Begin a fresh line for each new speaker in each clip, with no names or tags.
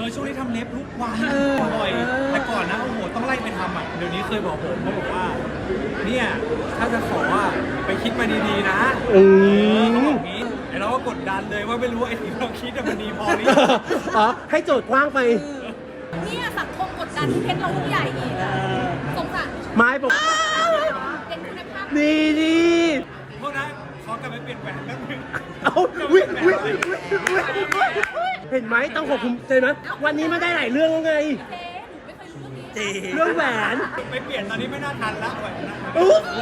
ช่วงนี้ทำเล็บทุกวันบ่อยแต่ก่อนนะโอ้โหต้องไล่ไปทำอ่ะเดี๋ยวนี้เคยบอกผมเขาบอกว่าเนี่ยถ้าจะขออ่ะไปคิดมาดีๆนะเขาบอกงี้ไอเราก็กดดันเลยว่าไม่รู้ไอ้ที่เราคิดมันดีพอหรือยัง
อ๋อให้โจทย์กว้างไป
เนี่ยสังคมกดดันเพชรเราลูกใหญ่อีกสงสาร
ไม้บอก
เป็นคุณภาพ
ดีดี
พวกนั้นขอกลับไปเปลี่ยนแหวนแป๊บนึง
เอาวิเห็นไหมต้องขอบคุณใจนะวันนี้มันได้หลายเรื่องแล้วไง
เจ๊หนูไม่เคยรู้เรื่องนี้
เรื่องแหวน
ไปเปลี่ยนตอนนี้ไม่น่าทันละแหวนนะ
อุ๊ย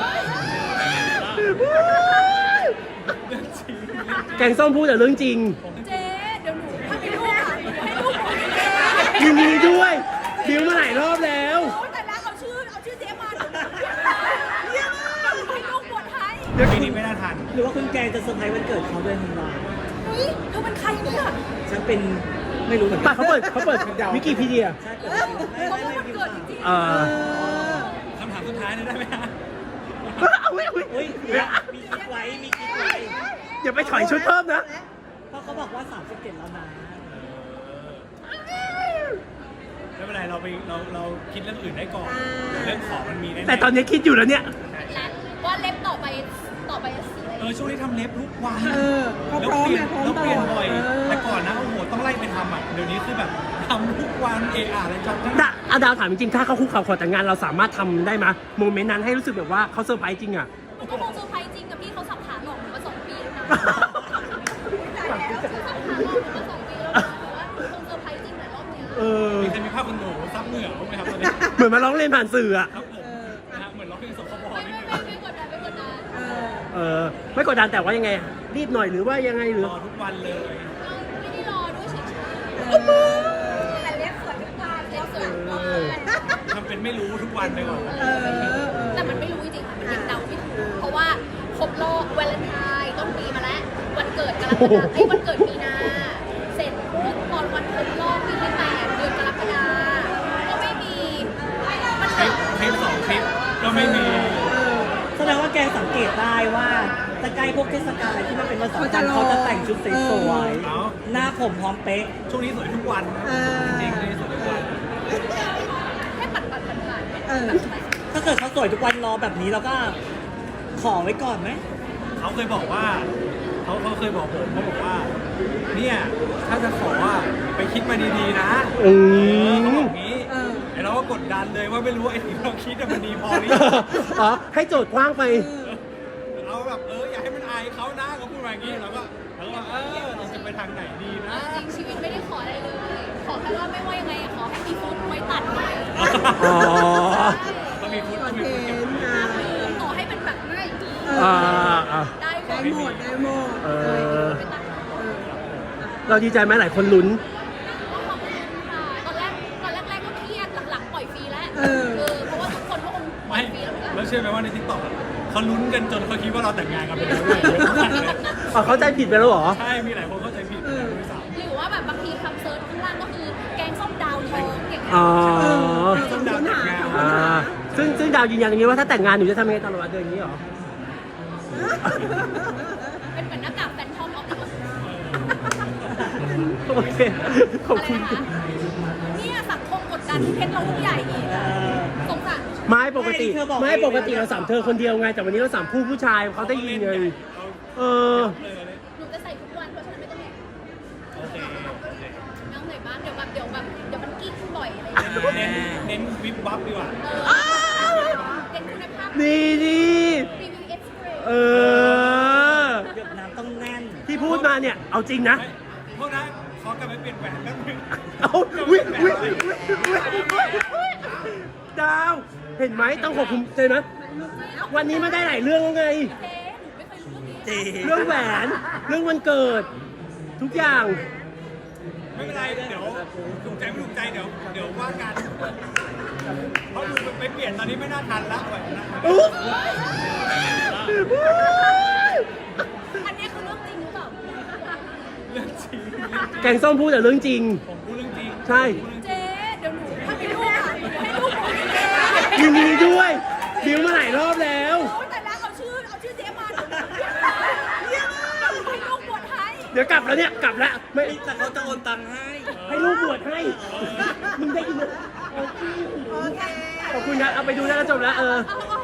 เรื่องจริง
แกงส้มพูดแต่เรื่องจริง
เจ๊เดี๋ยวหนูถ้ามีลูกอ่ะให้ลูกหนูเจ๊
ยินดีด้วยบิวมาหลายรอบแล้ว
โอ้แต่ละเอาชื่อเจ๊มาเยี่ยมมากให้ลูกบวชให้
ปีนี้ไม่น่าทัน
หรือว่าคุณแกงจะเซอร์ไพรส์วันเกิดเขาด้วยธันวา
เฮ้ยเธอเป็นใครเนี่ย
ฉันเป็นไม่รู้เหมือนกั
ป่ะเขาเปิดวิกิพีเดีย
ใช่เกิด
เขาบอกวันเกิดจริง
คำถามสุดท้ายเลยได้ไหมฮะ
อุ๊ย
อุ้ยมีคิดไว้มีคิดไว้
อย่าไปถอยชุดเพิ่มนะ
เพราะเขาบอกว่า37แล้วนะ
ไม่เป็นไรเราคิดเรื่องอื่นได้ก่อนเรื่องของมันมีแน่ๆ
แต่ตอนนี้คิดอยู่แล้วเนี่ย
ๆและว่าเล็บต่อไปสีอะไร
ช่วงนี้ทำเล็บทุกวัน
เขา
แล้ว
พร้อม
เปลี่ยน
นะพร้อม
แล้ว
ต
เปลี่ยน
ลอด
บ่อยแต่ก่อนนะโอ้โหต้องไล่ไปทำอ่ะเดี๋ยวนี้คือแบบทำทุกวันอะไรจำได้
ดาวถามจริงๆถ้าเขาคุกเข่าขอแต่งงานเราสามารถทำได้ไหมโมเมนต์นั้นให้รู้สึกแบบว่าเขาเซอร์ไพรส์จริงอ่ะ
หนูก็คงเซอร์ไพรส์จริงกับพี่เขาสับขาหลอกหนูมา2 ปีแล้วนะสับขาหลอกหนูมา2 ปีแล้วนะแต่ว่าหนูคงเซอร์ไพรส์จริงแต่รอบเนี้ย
มีใครมีภาพคุณหนูซับเหงื่อบ้างไหมครับตอนนี้
เหมือนมาร้องเรียนผ่านสื่ออ่ะ
ครับผมนะฮะเหมือนร้องเพลงสคบนิดนึง
ไม่กดดันไม่กดดัน
ไม่กดดันแต่ว่ายังไง รีบหน่อยหรือว่ายังไงหรือ
รอทุกวันเลย
ไม่ได้รอด้วยเฉยๆแต่เล็บสวยทุกวันเล็บสวยทุกวัน
ทำเป็นไม่รู้ทุกวันไปก่อน
แต่มันไม่รู้จริงๆค่ะมันยังเดาไม่ถูกเพราะว่าครบรอบวาเลนไทน์ต้นปีมาแล้ววันเกิดกรกฎาคมวันเกิดมีนาเสร็จปุ๊บตอนวันครบรอบปีที่8เดือนกรกฎาก็ไม่มีมัน
คลิป2 คลิปก็ไม่มี
แสดงว่าแกงสังเกตได้ว่าจะใกล้พวกเทศกาลอะไรที่มันเป็นวันสำคัญเขาจะแต่งชุดสวยๆหน้าผมพร้อมเป๊ะ
ช่วงนี้สวยทุกวันนะจริงๆนี่สวยทุกวัน
แค่ปัดผ่าน
ถ้าเกิดเขาสวยทุกวันรอแบบนี้เราก็ขอไว้ก่อนไหม
เขาเคยบอกว่าเขาเคยบอกผมเขาบอกว่าเนี่ยถ้าจะขออ่ะไปคิดมาดีๆนะเขาบอกงี้ไอเราก็กดดันเลยว่าไม่รู้ไอ้ที่เราคิดมันดีพอหรือยัง
อ๋อให้โจทย์กว้างไป
เอาแบบอย่าให้มันอายเขานะเขาพูดมาอย่างนี้เราก็ว่าเราจะไปทางไหนดีนะ
จริงชีวิตไม่ได้ขออะไรเลย ขอแค่ว่าไม่ว่ายังไงขอให้มีฟุตไว้ตัดไว้
อ๋อ
ก็มีฟุตเก็บ
ต่อให้เป็นแบบไม่ ได้หม
ได้
ด
หมดได้หมด
ไปตัด
เราดีใจไหมหลายคนลุ้น
ก็ขอบคุณค่ะตอนแรกก็เครียดหลังๆปล่อยฟรีแล้วเพราะว่าทุกคนก็คงปล่
ไม่
อยฟรีแล้วเหมือนกัน
แล้วเชื่อไหมว่าในทิกตอกเขาลุ้นกันจนเขาคิดว่าเราแต่งงานกันไปแล้วด้วยเยอะมากเลย
เข้าใจผิดไปแล้วเหรอ
ใช่มีหลายคนเข้าใจผิดด้วยซ้ำ
หรือว่าแบบบางทีคำเซิร์ชข้างล่างก็คือแกงส้มดาวทองอย่างเงี้ย
อ๋อ
ต้องดาวแต่งงาน
ซึ่งดาวยืนยันอย่างนี้ว่าถ้าแต่งงานหนูจะทำยังไงตลอดเดือนนี้เหรอ
เป็นเหมือนหน้ากากแฟนทอมออฟดิ
โอเค ขอบ
อะไร
คุณ
นะคะเนี่ยสังคมกดดันเพชรเราลูกใหญ่อีกสงสาร
ไม่ปกติเราสามเธอคนเดียวไง แต่วันนี้เราสามผู้ชายเขาได้ยินไงเออ
หนูจะใส่ทุกวันเพราะฉะนั้นไม่ต้องเหนื่อย
โอเค
น้องเหนื่อยบ้างเดี๋ยวมันกิ๊กบ่อยอะไรอย่างเงี้ย
เน้นวิบวับดีกว่า
เป็นคุณภาพ
ดีดี
รีวิวเอ็กซ์เพรส
เออ
หยดน้ำต้องแน่น
ที่พูดมาเนี่ย เอาจริงนะ
พวกนั้นขอกลับไปเปลี่ยนแหวนแป๊บนึง
เอาดาว เห็นไหมต้องขอบคุณใจนะวันนี้มันได้หลายเรื่องแล้วไง
เจ๊หนูไม่เคยรู้เรื่องนี้
เจ
เรื่องแหวน เรื่องวันเกิด ทุกอย่าง
ไม่เป็นไรเดี๋ยวถูกใจไม่ถูกใจเดี๋ยวว่ากันเพราะดูไปเปลี่ยนตอนนี้ไม่น่าทันละแหวนนะ
อันนี้คือเรื่องจริงหรือเปล่า
เรื่องจริง
แกงส้มพูดแต่เรื่องจริง
ผมพูดเรื่องจริง
ใช่
เจ๊เดี๋ยวหนูถ้ามีลูกอ่ะให้ลูกหนูเจ๊
ยินดีด้วยบิวมาหลายรอบแล้ว
โอ้แต่ละเอาชื่อเจ๊มาเยี่ยมมากให้ลูกบวชให้
เดี๋ยวกลับแล้วเนี่ย กลับแล้วไม่
แต่เขาจะโอนตังค์ให้
ให้ลูกบวชให้มึงได้ยินไหม
โอเค
ขอบคุณครับเอาไปดูแล้วก็จบแล้ว
เอา